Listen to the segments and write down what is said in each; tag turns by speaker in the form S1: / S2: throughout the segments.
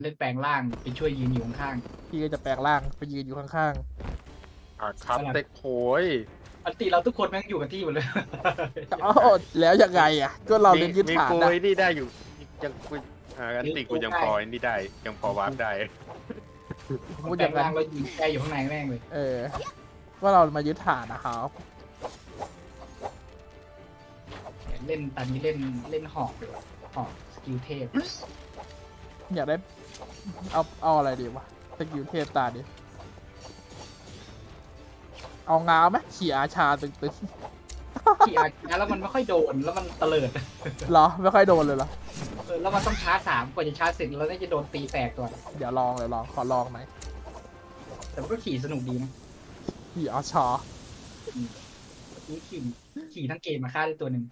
S1: เล่นแปลงร่างไปช่วยยืนอยู่ข้าง
S2: พี่ก็จะแปลงร่างไปยืนอยู่ข้าง
S3: ครับเด็กโหย
S1: ๆปกติเราทุกคนแม่งอยู่กับที่หมดเลย
S2: ๆอ๋อแล้วยังไงอ่ะก็เราเล่นยึด
S3: มี
S2: ฐาน
S3: กู
S2: นะ
S3: ไอ้นี่ได้อยู่ยังกูอันติกูยังพอไอ้นี่ได้ยังพอวาร์ปได้
S2: พูด
S1: แป
S2: อ
S1: ล
S2: ย่าง งนั้น
S1: ร่างเรายืนแกอยู่ข้างในแม่งเลย
S2: ว่าเรามายึดฐานนะครับ
S1: เล่นตอนนี้เล่นหอกเลยหอกสกิลเทพ
S2: อยากได้เอาอะไรดีวะสกิลเทพตาดิเอางาวไหมขี่อาชาตึง
S1: ขี่อาร์แล้วมันไม่ค่อยโดนแล้วมันเตลิด
S2: ๆเหรอไม่ค่อยโดนเลยเหรอ
S1: แล้วมันต้องชาร์จ3กว่าจะชาร์จเสร็จแล้วน่าจะโดนตีแตกก่อน
S2: เดี๋ยวลองขอลองหน่อย
S1: แต่มันก็ขี่สนุกดีนะ
S2: ขี่อาชา
S1: นี่ขี่ทั้งเกมมาฆ่าได้ตัวหนึ่ง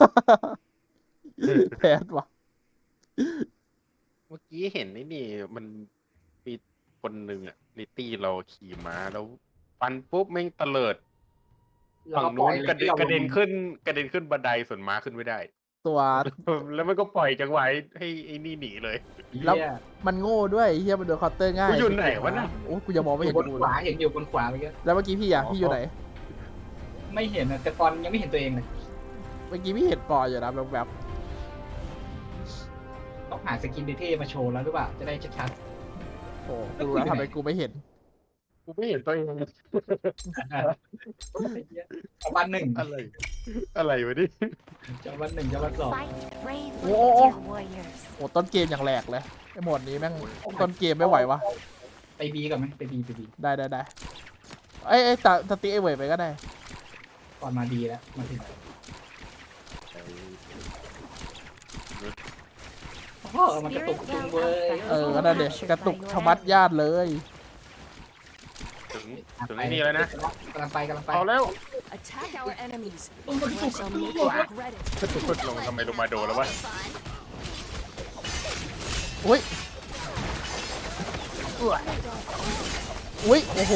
S2: แพ้วะ
S3: เมื่อกี้เห็นไอ้นี่มันมีคนหนึ่งอะลิตตี้เราขี่ม้าแล้วฟันปุ๊บแม่งเตลิด
S1: แล้ว
S3: ฝั่ง
S1: ก็ปล่
S3: นู้
S1: อน ย
S3: กระเด็นขึ้นบันไดส่วนม้าขึ้นไม่ได้
S2: ตัว
S3: แล้วมันก็ปล่อยจังหวะให้ไอ้นี่หนีเลย
S2: แล้ว
S1: เหี้ย
S2: มันโง่ด้วยเฮียมันโดนเคาน์เตอร์ง่าย
S3: กูอยู่ไหนวะน่ะ
S2: โอ้กูจะมองไม่
S1: อ
S2: เห็น
S1: ยู่บน
S2: กู
S1: ข
S2: เล
S1: วาย เห็นอยู่บนขวาเมื่อกี้
S2: แล้วเมื่อกี้พี่พี่อยู่ไหน
S1: ไม่เห็นนะแต่ตอนยังไม่เห็นตัวเองเลย
S2: เมื่อกี้พี่เห็นปออยู่นะแบบ
S1: ต้องหาสกินเท่ๆมาโชว์แล้วหรือเปล่าจะได้ชัด
S2: โอ้กูรู้แล้วทำไมกูไม่เห็น
S3: กูไม่เห็นตัวเอง
S1: ๆจะวันหนึ่ง
S3: อะไรวะนี่
S1: จะวันหนึ่งจะวันสอง
S4: Fight bravely,
S2: Oh.
S4: dear warriors.
S2: โอ้ต้นเกมอย่างแหลกเลยไอ้โหมดนี้แม่งต้นเกมไม่ไหววะ
S1: ไปบีก่อนไหมไปบี
S2: ได้ไอ้ตาตีไอ้เวยไปก็ได้
S1: ก่อนมาดีแล้วมาถึงโอ้มันกระตุกจุงเว้ย
S2: ก็นั่นเด็กกระตุกชะมัดญาติเลย
S3: ถึงไอ้นี่แล้วนะ
S1: กำลังไป
S3: เอาแล้ว
S4: Attack our enemies.
S1: ต้องกระตุ
S4: I
S1: ก
S4: shall make you regret it.
S3: ลงทำไมลงมาโดนแล้ววะ
S2: อุ้ยโอ้โห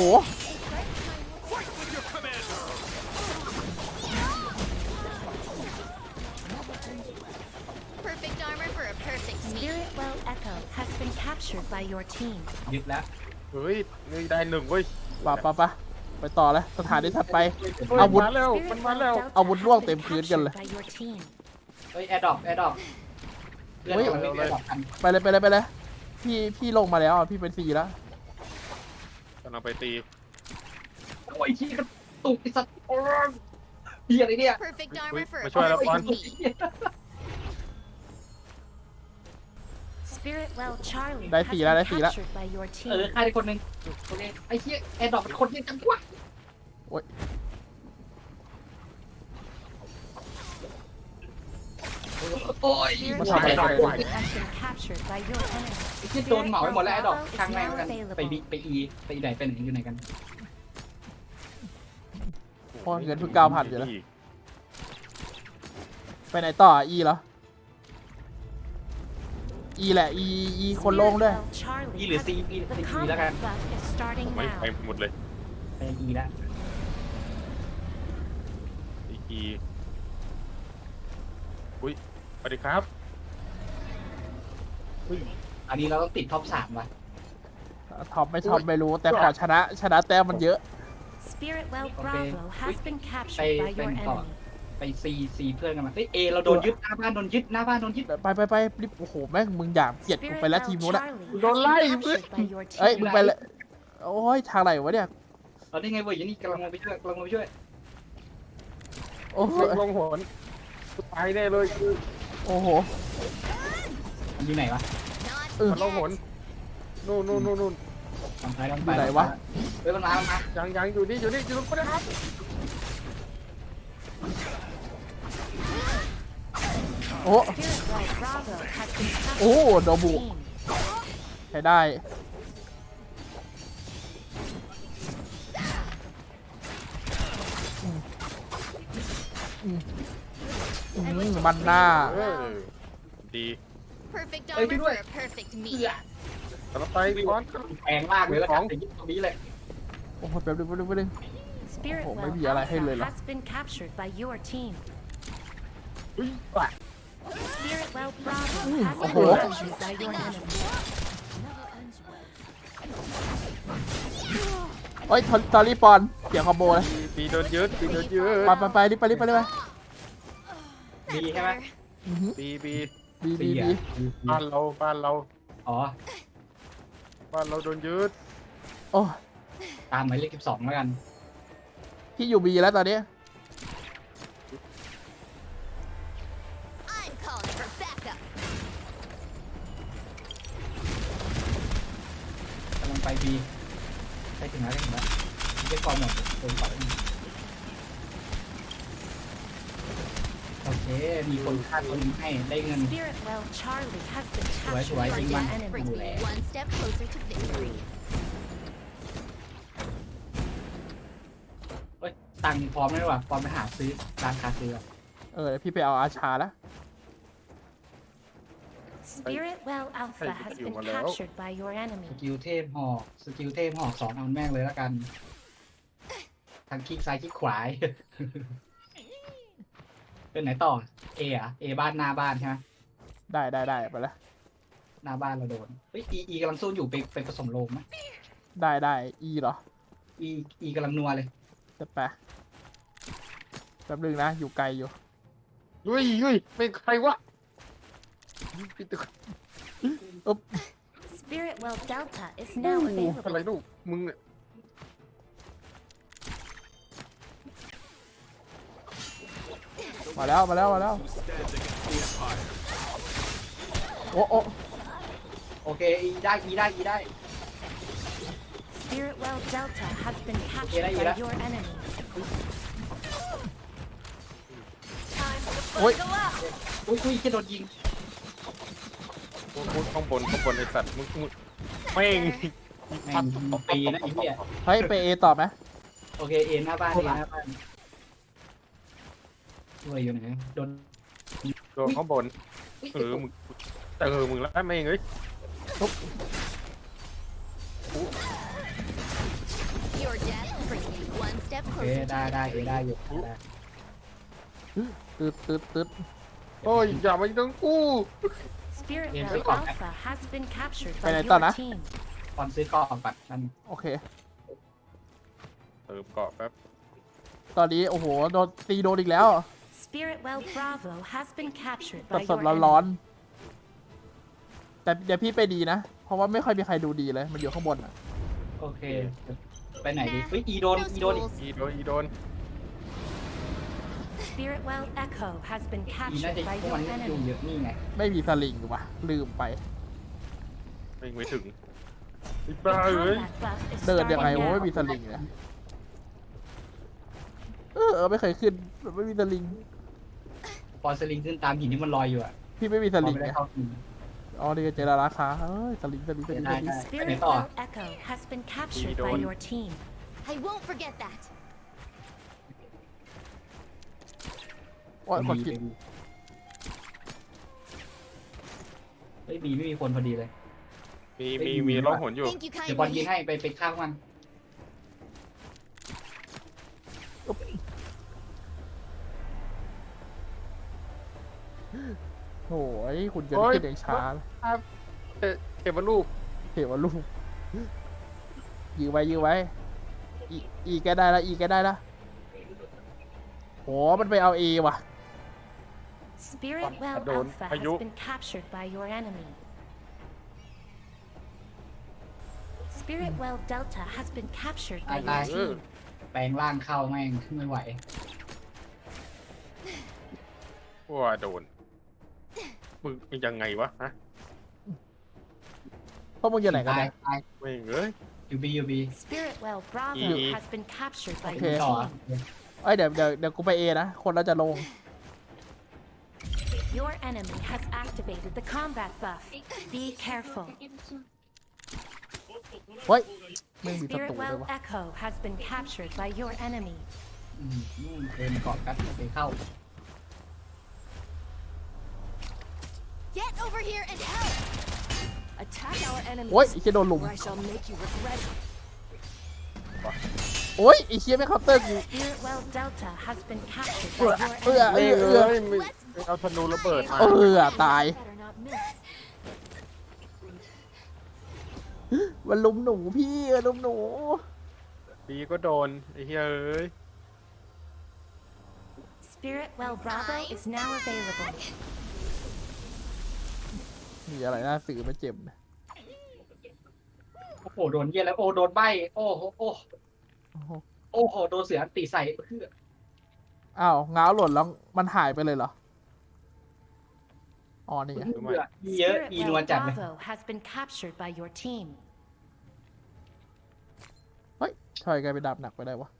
S5: Perfect armor for a perfect meal.
S4: Spirit Well Echo has been captured by your team.
S1: ยึดแล้ว
S3: เฮ้ยนี่ได้หนึ่งเว้ย
S2: ปะไปต่อเลยสถานที่ถัดไป
S3: เฮ้ย
S2: อาวุธ
S3: มาแล้ว
S4: Spirit
S3: มันมา
S4: Well
S3: แล้ว
S4: Delta
S2: อาวุธล่วง
S4: has
S2: เต็ม
S4: been
S2: พื้นกันเลย
S4: captured by your team.
S1: เฮ้ยแอร์ดรอปเพื่อนกำลังวิ่งแอร์ดรอปกัน
S2: ไปเลยพี่ลงมาแล้วอ่ะพี่เป็น4แล้ว
S3: กำลังไปตี
S1: โอ้ยที่กระตุกไอ้สัตว์โอ้ยเหี้ยอะไรเนี่ย
S5: Perfect armor for a
S3: มาช่วยแล้วก่อน
S5: perfect meal.
S4: Spirit Well Charlie
S2: ได้
S4: has
S2: 4แล้ว
S4: been
S2: ได้4แล้ว
S4: captured by your
S1: เออ
S4: team.
S1: ฆ่าได้คนหนึ่งโอเคไอ้เหี้ยแอร์ดรอปเป็นคนเหี้ยจังวะ
S2: โอ้ย
S1: โอ้ย
S4: Spirit
S2: มัน
S4: Well
S2: ทำอะไรกัน
S4: Charlie has been captured by your enemy.
S1: ไอ้ที่โดนเหมาไปหมดแล้วแอร์ดรอปข้างแม่งกันไปบีไปอีไปไหนไปไหนอยู่ไหนกัน
S2: เพราะเงินเพิ่ง9,000อยู่แล้ว ไปไหนต่ออีเหรออีแหละอีคนลงด้วย
S4: Spirit Well Charlie
S1: อีหรือ
S4: has-
S1: ซีอี
S4: The
S1: ซีแล้วกัน
S4: combat buff is starting
S3: ไม่
S4: now.
S3: ไปหมดเลย
S1: ไปอีแล้ว
S3: อีอุ้ยสวัสดีครับ
S1: อันนี้เราต้องติดท็อป3ว่ะ
S2: ท็อปไม่รู้แต่ขอชนะแต้มมันเยอะ
S4: Spirit Well
S1: Okay.
S4: Bravo has been
S1: Hey,
S4: captured by your
S1: Ben,
S4: enemy.
S1: ไปซีเพื่อนกันมาเฮ้ยเอเราโดนยึดหน้าบ้านโดนยึด
S2: ไปรีบโอ้โหแม่งมึงอยากเกลียดกู
S4: Spirit
S2: ไปแล้ว
S4: Well
S2: ทีมนู้นอะ
S4: Charlie
S3: โดนไล่
S4: has been captured by your
S2: เอ้ย
S4: team.
S2: มึงไปเลยโอ้ยทางไหนวะเนี่ย
S1: เราได้ไงเว้ยนี่กำลังลงไปช่วย
S2: โอ้โห
S3: ลงหนตายแน่เลย
S2: โอ้โห
S1: มันอยู่ไหนวะ
S5: Not
S3: มันลงหน
S5: yet.
S3: นู่น
S1: ลำไป
S2: อยู่ไหนวะ
S1: เฮ้ยมันมา
S3: ยังอยู่นี่อยู่ตรงนี้ครับ
S2: โอ้
S4: Spirit Well Bravo has been captured
S2: โอ้โด
S4: by
S2: บุ
S4: your team.
S2: ใช้ได้มันหน้า
S3: เออดี
S5: Perfect armor for a perfect
S1: เพื่
S5: meal.
S1: อ
S3: กำลังไปก่อน
S1: แพงมากเลยแล้วกันแต่ยึดตรงนี้เลย
S2: โอ้โหแป๊บนึง
S4: Spirit
S2: Oh,
S4: Well
S2: maybe I like
S4: Alpha
S2: Halo.
S4: has been captured by your team.
S3: อุ้ยว่ะ
S4: Spirit Well Bravo has been
S2: Oh.
S4: captured by your enemy.
S2: โอ้ยตอรี่ปอนเสียงคอมโบเลย
S3: ปีโดนยึดปีโดนยึด
S2: ไปรีบไป
S1: ดีใช่ไหม
S2: อื้อหือ
S3: ปีปี
S2: บี
S1: ดีอ่ะ
S3: บ้านเราบ้านเรา
S1: อ๋อ
S3: บ้านเราโดนยึด
S2: โอ้
S1: ตามหมายเลข12แล้วกัน
S2: พี่อยู่บีแล้วตอนนี้
S5: I'm calling for backup.
S1: กำลังไปบีใกล้ถึงแล้วเก็บฟอร์มหมดโดนต่อยโอเค มีคนคาดคนให้ได้เงิน
S4: Spirit Well Charlie has been
S1: Why do I
S4: captured by
S1: think
S4: your
S1: man-
S4: enemy.
S5: Brings me one step closer to victory.
S1: เฮ้ย ตังค์พร้อมแล้วว่ะพร้อมไปหาซื้อร้านคาซื้ออ่ะ
S2: เดี๋ยวพี่ไปเอาอาชาแล้ว
S4: Spirit Well Alpha has been captured by your
S1: ส
S4: enemy.
S1: กิลเทพหอกสกิลเทพหอก2เอาแม่งเลยแล้วกัน ทั้งคลิกซ้ายคลิกขวา เป็นไหนต่อ เออะเอบ้านหน้าบ้านใช่ไหม
S2: ได้ไปแล้ว
S1: หน้าบ้านเราโดน เฮ้ยอีกำลังสู้อยู่ไปผสมโลงไหม
S2: ได้อีเหรอ
S1: อีกำลังนัวเลย
S2: จะไปแป๊บนึงนะอยู่ไกลอยู่
S3: เฮ้ยเป็นใครวะ
S4: Spirit Well Delta is now
S3: อะไร
S4: available.
S3: ลูกมึงเนี่ย
S2: มาแล้วโอ้
S1: โอเคอีได้
S4: Spirit Well Delta has been captured
S1: Ira.
S4: by your enemy.
S5: Time for the
S2: Oi.
S5: fun to go out.
S1: อุ้ยแค่โดนยิง
S3: พูดข้างบนไอ้สัตว์มึงแม่ง
S1: แม่งปีนะไอ้เหี้ย
S2: เฮ้ยไปเอต่อไหม
S1: โอเคเอหน้าบ้านด้วยอยู่ไหนโดน
S3: ตัวข้างบน
S1: อุ๊ย
S3: มึงแล้วแม่งเอ้ย
S5: Your death brings me one step
S1: โอเค
S5: closer to
S1: ได้
S5: victory.
S1: ได้อยู่ได้
S2: ตึ๊ด
S3: โอ้ยอย่ามาต้องกู
S4: Spirit
S1: Yeah,
S4: Well
S1: take off.
S4: Alpha has been captured
S2: Cái
S4: by
S2: này
S4: your
S2: tao đã.
S4: team.
S1: ตอนซื้อกล่องก่อนนั่น
S2: โอเค
S3: เติมเกาะแป๊บ
S2: ตอนนี้โอ้โหโดนตีโดนอีกแล้ว
S4: Spirit Well Bravo has been captured
S2: ส
S4: by
S2: ด
S4: your
S2: ร้อน
S4: enemy.
S2: ๆแต่เดี๋ยวพี่ไปดีนะ เพราะว่าไม่ค่อยมีใครดูดีเลย มันอยู่ข้างบนอ่ะ
S1: โอเค ไปไหนดีเฮ้ยอีโดน
S5: No
S1: อีโดนอีก
S5: schools.
S3: อีโดน
S4: Spirit Well Echo has been
S1: อีน่า
S4: captured
S1: จะ
S4: by
S1: พวก
S4: your
S1: มันอยู่
S4: enemy.
S1: เยอะนี่ไง
S2: ไม่มีสลิงว่ะ ลืมไป
S3: ไม่ถึงไอ้
S4: The
S3: บ้าเอ้ย
S4: combat buff is
S2: เดินยังไง
S4: starting
S2: วะไม่
S4: now.
S2: มีสลิงเนี่ยไม่เคยขึ้นไม่มีสลิง
S1: พอสลิงขึ้นตามหินที่มันลอยอยู่อ่ะ
S2: พี่ไม่มี
S1: พ
S2: ส
S1: อ
S2: ลิง
S1: ไม่ได้
S2: ไง
S1: เข้าหิน
S2: อ๋อนี่ก็เจอราคาเฮ้ยสลิง
S1: ได้
S4: Spirit
S1: ต่อ
S4: Well Echo has been captured by
S3: Idol.
S4: your team.
S5: I won't forget that.
S2: ว่าคนกิน
S1: เฮ้ยบีไม่มีคนพอดีเลย
S3: มีร้องหนอยู่
S5: Thank you
S1: เดี๋ยวบอลยิง
S5: kindly.
S1: ให้ไปฆ่ามัน
S2: โอ้ยคุณจะ
S3: โอ้ย
S2: ขึ้นอย่างช้า
S3: เก็บมาลูก
S2: เทวลูกยื้อไว้อีแกได้ละอีแกได้ละโหมันไปเอาเอว่ะ
S4: Spirit Well
S3: Adon,
S4: Alpha has
S3: ayo.
S4: been captured by your enemy. Spirit Well Delta has been captured by your
S1: Bye-bye.
S4: team.
S1: แปลงร่างเข้าแม่งไม่ไหว
S3: ว่าโดนมึงยังไงวะฮะ
S2: พวกมึงอยู่ไหนกัน
S1: ตาย
S2: เนี่ย
S1: ตาย
S3: แม่งเอ้ย
S1: ยูบี
S4: Spirit Well Bravo
S3: Ye-
S4: has been captured by
S2: Okay.
S4: your
S1: ต่อ
S4: team.
S2: เอ้ยเดี๋ยวกูไปเอนะ คนเราจะลง
S4: Your enemy has activated the combat buff. Be careful.
S2: เฮ้ยไม่มีศัต
S4: Spirit
S2: รูเล
S4: Well
S2: ยวะ
S4: Echo has been captured by your enemy.
S1: เดินเกาะกัดไปเข้า
S5: Get over here and help.
S6: Attack our enemies,
S2: โอ้ยไอ้เชี่ยโดนลุม
S6: or I shall make you regret it.
S2: โอ้ยไอ้เชี่ยไม่เคาน์เตอร์กู
S4: Spirit Well Delta has been captured by
S2: เอื้อ
S4: your
S2: เอื้อ
S4: enemy.
S2: เอื้อ
S3: เอ้ยมึงเอาธนูระเบิดมา
S2: ตาย
S6: Better not miss.
S2: มันลุมหนูพี่ลุมหนู
S3: ดีก็โดนไอ้เหี้ยเอ้ย
S4: Spirit Well Bravo is now available.
S2: มีอะไรน่าสื่อไม่เจ็บนะ
S1: โอ้โหโดนเยี่ยแล้วโอ้โดนใบโอ้โหโอ้
S2: โอ้โห
S1: โอ้โหโดนเสืออันตีใส่เพื่อ
S2: อ้าวง้าวหล่นแล้วมันหายไปเลยเหรอ อ๋อนี่ไง
S1: เพื่อเยอะ
S4: Spirit
S1: อีนัว
S4: Well
S1: จัดเลย
S4: Bravo has been captured by your team.
S2: เฮ้ยทำไมกลายเป็นดาบหนักไปได้วะ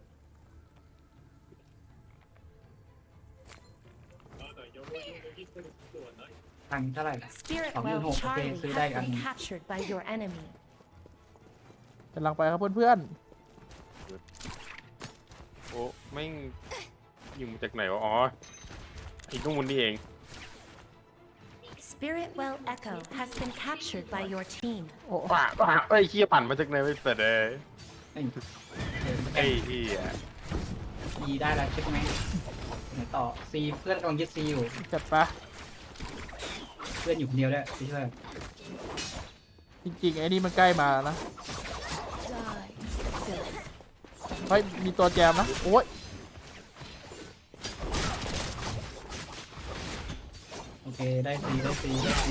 S1: ตังค์เท่าไหร่นะ
S4: Spirit
S1: Oh,
S4: Well
S1: yun ho, okay,
S4: Charlie
S1: so
S4: has
S1: like,
S4: been captured by your enemy.
S2: กำลังไปครับเพื่อน
S3: โอ้แม่งยิงมาจากไหนวะอ๋อไอ้นู่นนี่เอง
S4: Spirit Well Echo has been captured by your team.
S2: ๆ โอ้
S3: ป่าไอ้เหี้ยปั่นมาจากไหนไม่เสร็จเลย
S1: ไอ้
S3: ไอ้เหี้ย
S1: ซีได้แล้วใช่ไหมไหนต่อซีเพื่อนกำลังยึดซีอยู่
S2: จัดปะ
S1: เพื่อนอยู่คนเดียวด้วยพี่ช่วย
S2: จริงๆไอ้นี่มันใกล้มาแล้วนะ
S6: Die.
S2: เฮ้ยมีตัวแจมนะ โอ้ย
S1: โอเคได้ซีได้ซีได้ซี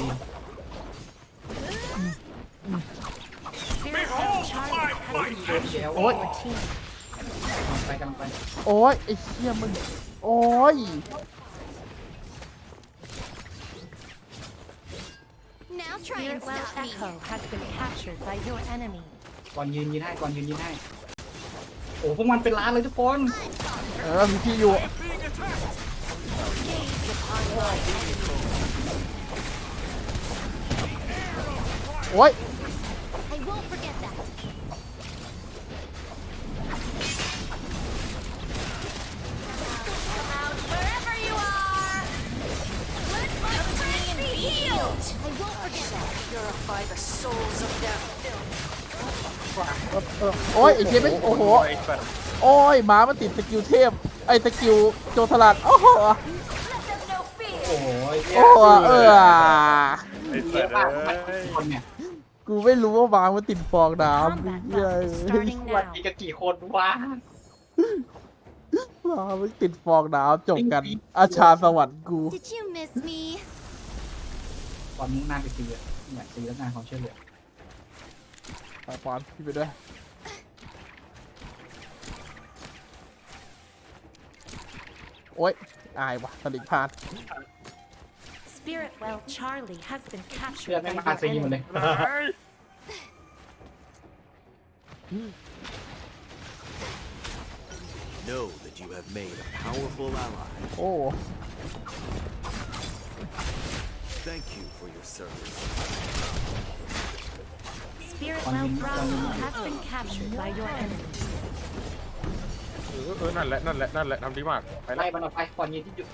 S4: Spirit Well Charlie has been captured by your team.
S1: กำลังไป
S2: โอ้ยไอ้เชี่ยมึง โอ้ย
S5: Now try and
S4: Spirit Well
S5: stop me.
S4: Echo has been captured by your enemy.
S1: ก่อนยืนให้ก่อนยืนให้โอ้พวกมันเป็นล้านเลยทุกคน
S2: เออมีที่อยู่ โอ้ย
S5: I won't forget that. Come out wherever you are. Let my friend be healed. I won't forget that.
S6: Purify the souls of their filth.
S2: โอ้ยไอ้เชี่ยไม่โอ้โห
S3: ไอ้สัตว์
S2: โอ้ยหมามันติดสกิลเทพ ไอ้สกิลโจรสลัด โอ้โห
S5: Let them know fear.
S1: โอ้โห
S2: โอ้เออ
S3: ไอ้
S1: เย
S3: สั
S1: อะ
S3: ตว์
S1: มาก
S3: เอ้
S1: มัน
S3: ย
S1: คนเนี่ย
S2: กูไม่รู้ว่าหมามันติดฟองน้ำ
S4: Combat
S2: เหี้ย
S4: buff is starting
S1: วัน
S4: now.
S1: นี้กันกี่คนวะ
S2: หมามันติดฟองน้ำจบกัน อาชาสวรรค์กู
S5: Did you miss me?
S1: ตอนมุ่งหน้าไปซีอ่ะเนี่ยซีแล้วงานความช่วยเหลือ
S2: ไปปอนพี่ไปด้วย โอ๊ย อายวะสลิงพลาด
S4: Spirit Well Charlie has been
S1: เพื่อน
S4: captured
S1: ไม่
S4: by
S1: มา
S4: your
S1: ซีหมดเลย
S4: enemy.
S7: Know that you have made a powerful ally.
S2: โอ้
S7: Thank you for your service.
S4: Spirit Well Bravo has been captured by your enemy.
S3: นั่นแหละทำดีมากไป
S1: ไล่
S3: ไล่
S1: มันออกไปก่อนยืนที่อยู่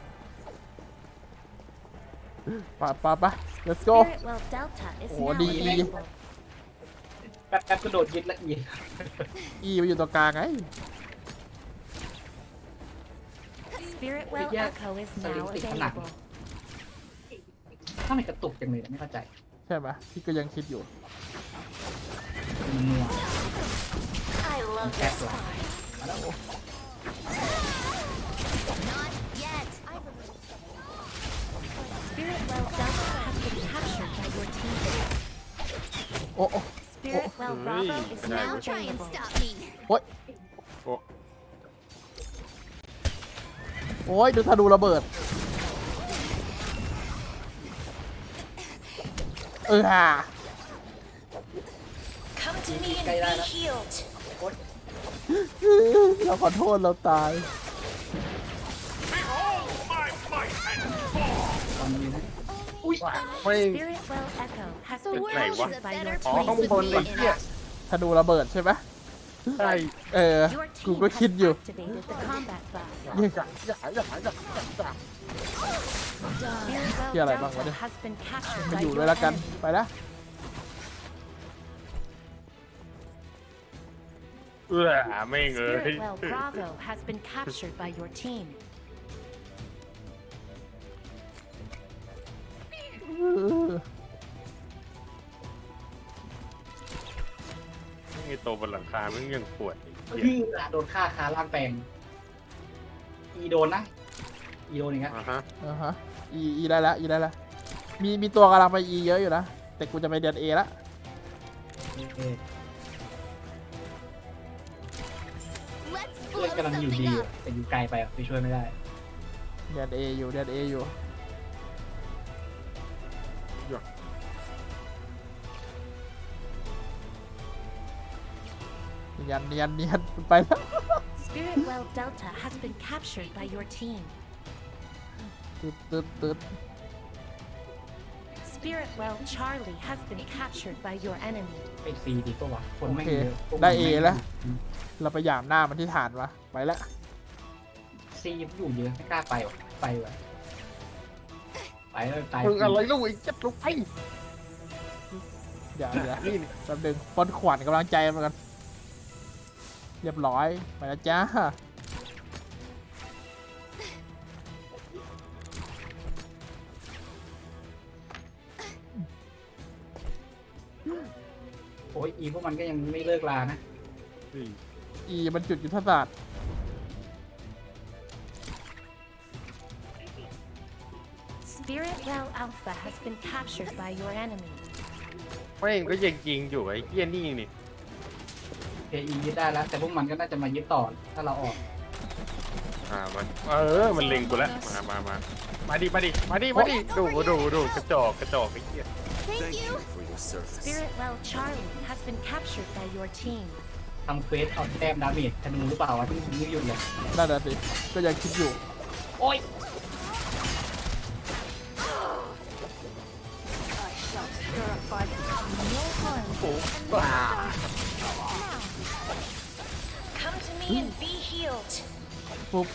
S2: ไป let's go
S4: Spirit Well Delta is
S2: Oh,
S4: now
S2: di-
S4: available.
S1: แป๊บก็โดดยึดละอี
S2: อีไปอยู่ตรงกลางไง
S4: Spirit Well
S1: Yeah.
S4: Echo is
S1: So
S4: now
S1: it's like-
S4: available.
S1: ทำไมกระตุกจังเลยไม่เข้าใจ
S2: ใช่ไหมพี่ก็ยังคิดอยู่
S1: มันนัว
S5: I
S1: มัน
S5: love
S1: แคบ
S5: this
S1: หรอ
S5: fight.
S1: มาแล้ว
S5: Not yet.
S4: Spirit Well Delta has been captured by your team.
S2: โอ้โอ้
S4: Spirit Well Bravo is
S3: Hey.
S4: now
S5: Now try and
S4: available.
S5: stop me.
S2: โอ้ย
S3: โอ้
S2: โอ้ยดูธนูระเบิด ฮ่า
S6: Come to me and
S1: Cây ra
S6: be
S1: đó.
S6: healed.
S2: เราขอโทษเราตาย
S1: ตอนยืนนะอุ้ย
S3: ไม่
S4: Spirit Well Echo has
S5: The
S4: been
S5: world
S3: Này
S5: is
S3: quá.
S5: a better
S3: Ồ,
S5: place
S3: không
S5: with
S3: còn
S5: me
S3: lịch
S5: in
S3: kia.
S5: it.
S2: ธนูระเบิดใช่ไหม
S3: ใช่
S2: เออ
S4: your
S2: กู
S4: team
S2: ก็
S4: has
S2: คิดอยู่
S4: activated the combat buff.
S2: นี่
S4: Spirit
S2: Kia
S4: Well
S2: lại bằng vào
S4: Delta
S2: đây.
S4: has been captured
S2: มา
S4: by
S2: อยู่
S4: your
S2: ด้วยละกัน
S4: enemy.
S2: ไปนะ
S3: ไม่งเอ้ย
S4: Spirit Well Bravo has been captured by your team.
S2: เออ
S3: ไงอ้ตัวบนหลังคาแม่งยังปวดไอ้เหี้ย
S1: คือโดนฆ่าคาล่างแปลงอีโดนนะอีโดนอย่างเงี้ย
S3: ฮะ
S2: อีได้ละอีได้ละมีตัวกำลังไปอีเยอะอยู่นะแต่กูจะไปเดือนเอละ
S1: เออ
S5: Let's
S1: เพื่อน
S5: blow
S1: กำลังอยู่
S5: something
S1: ดี
S5: up.
S1: แต่อยู่ไกลไปไปช่วยไม่ได้
S2: เดือนเออยู่เดือนเออยู่เนียนไปแล้ว
S4: Spirit Well Delta has been captured by your team.
S2: ตึ๊ด
S4: Spirit Well Charlie has been captured by your enemy.
S1: ไปฟรีดีกว่าคน
S2: โอ
S1: ไม่
S2: เค
S1: เยอะพวกมัน
S2: ได้เอ
S1: ม่
S2: แล้ว เราไปหยามหน้ามันที่ฐานวะไปแล้ว
S1: ซีอยู่เยอะไม่กล้าไปหรอกไปว่ะไปแล้วตาย
S3: มึงอะไรลูกไอ้เจ็บลูกไอ้
S2: เดี๋ยว
S3: นี่นี่
S2: แป๊บนึงปนขวัญกำลังใจมันกันเรียบร้อยไปแล้วจ้า
S1: โอ้ยอีพวกมันก็ยังไม่เลิกลานะ
S2: อีมันจุดยุทธศาสตร์
S4: Spirit Well Alpha has been captured by your enemy.
S3: แม่งก็ยังยิงอยู่ไอ้เหี้ยนี่นี่
S1: เออียึดได้แล้ว แต่พวกมันก็น่าจะมายึดต่อถ้าเราออก
S3: มันมันเล็งกูแล้วมาดิดูกระจอกไอ้เหี้ย
S5: Thank
S7: Thank
S5: you.
S7: you for your service.
S4: Spirit Well Charlie has been captured by your team.
S1: ทำเควสเอาแต้มดาเมจธนูหรือเปล่าวะที่มึงไม่หยุดเลย
S2: นั่นน่ะสิก็ยังคิดอยู่
S1: โอ้ย
S6: I shall purify them.
S5: No harm.
S3: บ้า
S5: Come to me and be healed.
S2: ปุ๊บ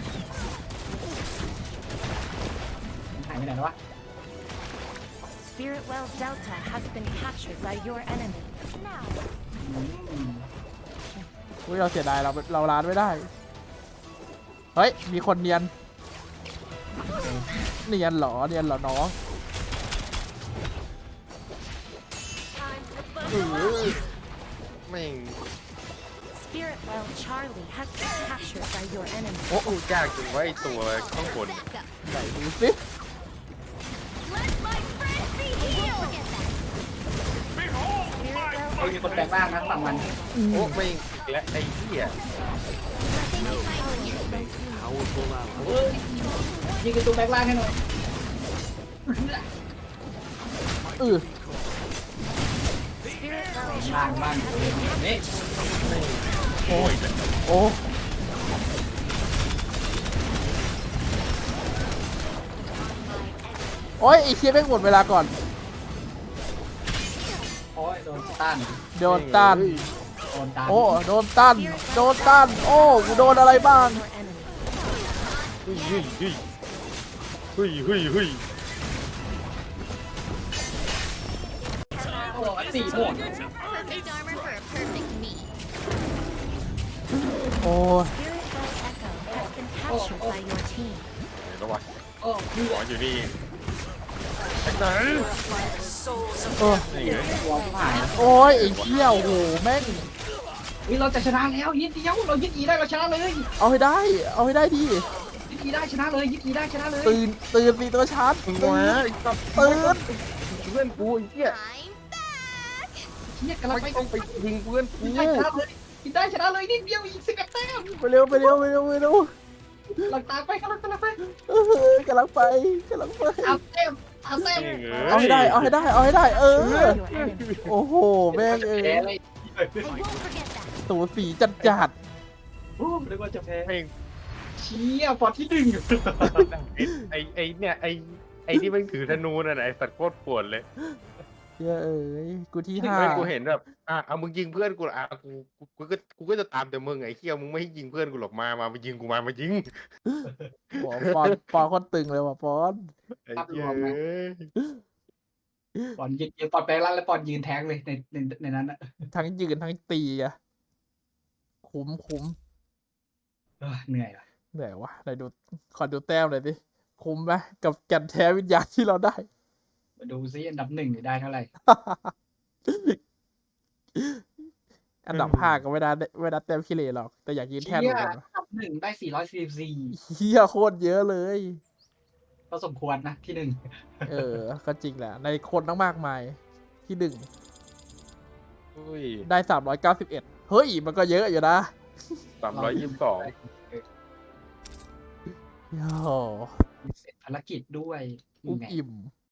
S1: หายไปไหนแล้ววะ
S4: Spirit Well Delta has been captured by your enemy.
S5: Now.
S1: อืม
S2: อุ้ยเราเสียดายเราร้านไม่ได้ เฮ้ย มีคนเนียนเหรอน้อง
S5: Time to bundle up.
S3: แม่ง
S4: Spirit Well Charlie has been captured by your enemy.
S3: โอ้ยากจังวะไอ้ตัวข้างบน
S5: Back up.
S2: ไหนดูสิ
S5: Let my friends be healed. Forget that.
S4: Spirit Well
S1: เฮ้ยมีคนแปลงร่างนะฝั่งมัน
S3: โอ้แม่งและไอ้เหี้ย
S7: Powerful ally.
S1: เฮ้ยยิงกระตุ้นแปลงร่างให้หน่อย
S4: Spirit Well
S1: ร่าง
S4: Charlie
S1: บ้านนี่
S3: โอ้ย
S2: โอ้โอ้ยไอ้เคียแม่งหมดเวลาก่อน
S1: โอ้ยโดนต้าน
S2: โดนต้าน
S1: โดนต้าน
S2: โอ้โดนต้านโอ้กูโดนอะไรบ้าง
S4: your enemy.
S3: เฮ้ย
S1: โอ้สี่หมวก
S5: Perfect armor for a perfect me.
S2: โอ้
S4: Spirit Well Echo has been captured by your team.
S3: เห็นแล้ววะ
S1: โอ้ย
S3: หมออยู่นี่ไอ้ไหน
S6: Purify the souls of
S2: เออ
S3: นี่ไง
S1: วอลที่หาย
S2: โอ้ยไอ้เคี้ยวโหแม่ง
S1: เฮ้ยเราจะชนะแล้วยึดเดียวเรายึดอีได้เราชนะเลย
S2: เอาให้ได้ดิ
S1: ยึดอีได้ชนะเลยยึดอีได้ชนะเลย
S2: ตื่นสิตัวชาร์จ
S3: มึง
S2: ตื่
S3: วะ
S2: น
S3: ไอ้ตับ
S2: ตื่น
S3: เพื่อนกูไอ้เหี้ย
S5: I'm back.
S1: เฮียกำลัง
S3: ไม่
S1: ไป
S3: ต้องไปยิงเพื่อนกู
S1: ได้ชนะเลยยึดได้ชนะเลยนิดเดียวอีก11แต้ม
S2: ไปเร็ว
S1: หลังตามไปกำลังไป
S2: กำลังไป
S1: เอาเต็มเอาเต็ม
S2: เอาให้ได้ เออ
S4: Your enemy.
S2: โอ้โหแม่งเอ้
S1: แพ้
S2: ย
S1: เลย
S5: I won't forget that.
S2: สูสีจัด
S1: โอ้เรียกว่าจะแพ้
S3: แม่ง
S1: เชี่ยฟอร์ที่หนึ่ง
S3: ไอ้เนี่ยไอ้ที่มันถือธนูน่ะนะไอ้สัตว์โคตรปวดเลย
S2: เย้เอ้ยกูที่
S3: ที่
S2: ห้า
S3: ไม่กูเห็นแบบเอามึงยิงเพื่อนกูละกูก็จะตามแต่มึงไอ้เหี้ยมึงไม่ให้ยิงเพื่อนกูหรอกมายิงกูมายิง
S2: โอ้ปอนคนตึงเลยว่ะปอน
S3: ไอ้เหี้ยเอ้ย
S1: ปอนยืนปอนแปลงร่างแล้วปอนยืนแทงเลยในนั้นอะ
S2: ทั้งยืนทั้งตีอะคุ้ม
S1: เหนื่อยอะ
S2: เหนื่อยวะไหนดูขอดูแต้มหน่อยดิคุ้มไหมกับแก่นแท้วิญญาณที่เราได้
S1: มาดูซิอันดับหนึ่งได้เท่าไหร่
S2: อัอันดับ5ก็ไม่ได้เต็มขี้เหร่หรอก แต่อยากยืนแท่นเห
S1: เชี่
S2: มื
S1: ย
S2: อนกัน
S1: อันดับ1ได้444
S2: เฮียโคตรเยอะเลย
S1: ก็สมควรนะที่
S2: ก็จริงแหละ ในคนตั้งมากมายที่
S3: อุ้ย
S2: 1 ได้ 391 เฮ้ย มันก็เยอะอยู่นะ
S3: 322
S2: โอ้
S1: 1เสร็จภารกิจด้วย
S2: อุ้ม
S1: นี่ไง
S2: อิ่ม